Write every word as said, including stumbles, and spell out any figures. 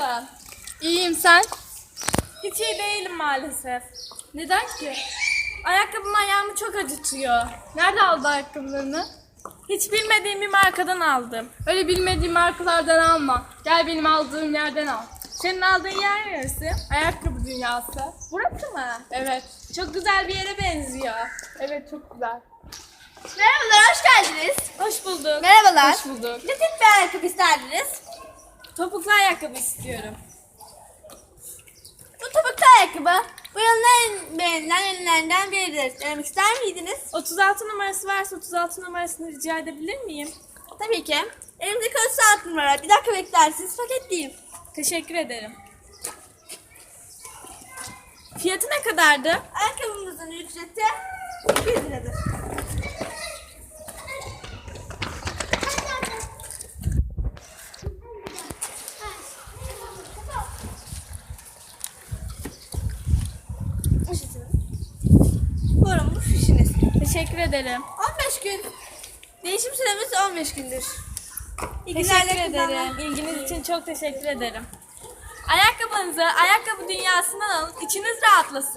Nasılsın? İyiyim, sen? Hiç iyi değilim maalesef. Neden ki? Ayakkabım ayağımı çok acıtıyor. Nerede aldın ayakkabılarını? Hiç bilmediğim bir markadan aldım. Öyle bilmediğim markalardan alma. Gel benim aldığım yerden al. Senin aldığın yer neresi? Ayakkabı dünyası. Burası mı? Evet. Çok güzel bir yere benziyor. Evet, çok güzel. Merhabalar, hoş geldiniz. Hoş bulduk. Merhabalar. Hoş bulduk. Ne tip bir ayakkabı isterdiniz? Topuklu ayakkabı istiyorum. Bu topuklu ayakkabı bu yılın en beğenilen ürünlerinden biridir. Denemek ister miydiniz? otuz altı numarası varsa otuz altı numarasını rica edebilir miyim? Tabii ki. Elimde otuz altı numara. Bir dakika beklersiniz, paketleyeyim. Teşekkür ederim. Fiyatı ne kadardı? Ayakkabımızın ücreti yüz liradır. Buyurun, bu fişiniz. Teşekkür ederim. on beş gün. Değişim süremiz on beş gündür. İyi Teşekkür günler de kullanın. ederim. İlginiz için çok teşekkür ederim. Ayakkabınızı ayakkabı dünyasından alın. İçiniz rahatlasın.